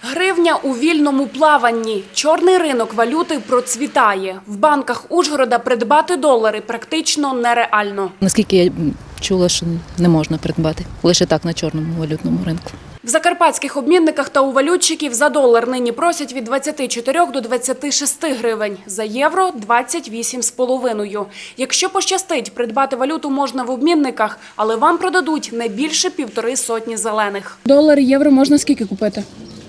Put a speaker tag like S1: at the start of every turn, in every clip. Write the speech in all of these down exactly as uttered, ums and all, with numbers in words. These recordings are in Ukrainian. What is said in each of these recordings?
S1: Гривня у вільному плаванні. Чорний ринок валюти процвітає. В банках Ужгорода придбати долари практично нереально.
S2: Наскільки я чула, що не можна придбати. Лише так на чорному валютному ринку.
S1: В закарпатських обмінниках та у валютчиків за долар нині просять від двадцяти чотирьох до двадцяти шести гривень, за євро – двадцять вісім з половиною. Якщо пощастить, придбати валюту можна в обмінниках, але вам продадуть не більше півтори сотні зелених.
S3: Долар, євро можна скільки купити?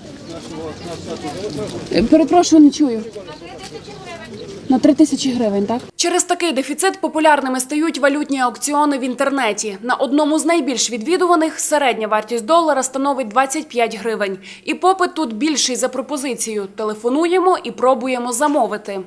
S3: Перепрошую, не чую. На три тисячі гривень, так?
S1: Через такий дефіцит популярними стають валютні аукціони в інтернеті. На одному з найбільш відвідуваних середня вартість долара становить двадцять п'ять гривень. І попит тут більший за пропозицію. Телефонуємо і пробуємо замовити.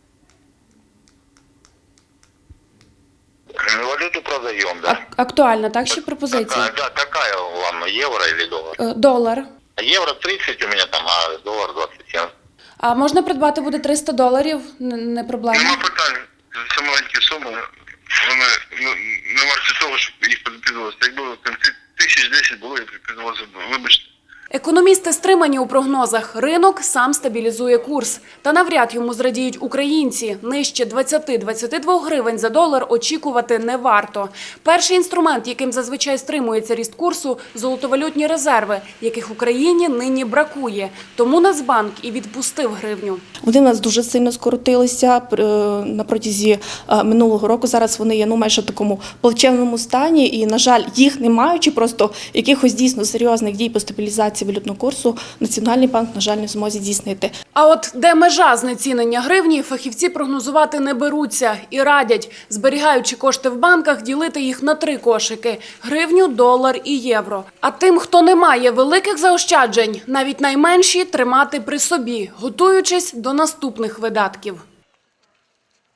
S4: Валюту продаем, да.
S3: А- актуальна, так, ще пропозиція?
S4: Какая, да, какая вам, евро или доллар?
S3: Е, Долар.
S4: Евро тридцать у меня там, а доллар двадцать семь.
S3: А можна придбати буде триста доларів? Н- Не проблема.
S4: Нема питань. Це маленькі суми. Вони ну, не варті того, щоб їх підписувалося. Якби в кінці тисяч десять було, я підписувалося. Вибачте.
S1: Економісти стримані у прогнозах. Ринок сам стабілізує курс. Та навряд йому зрадіють українці. Нижче двадцяти - двадцяти двох гривень за долар очікувати не варто. Перший інструмент, яким зазвичай стримується ріст курсу – золотовалютні резерви, яких Україні нині бракує. Тому Нацбанк і відпустив гривню.
S5: Вони в нас дуже сильно скоротилися е, на протязі е, минулого року. Зараз вони є ну, майже в такому плачевному стані. І, на жаль, їх не маючи просто якихось дійсно серйозних дій по стабілізації валютного курсу, Національний банк, на жаль, не в змозі здійснити.
S1: А от де межа знецінення гривні, фахівці прогнозувати не беруться і радять, зберігаючи кошти в банках, ділити їх на три кошики – гривню, долар і євро. А тим, хто не має великих заощаджень, навіть найменші тримати при собі, готуючись до наступних видатків.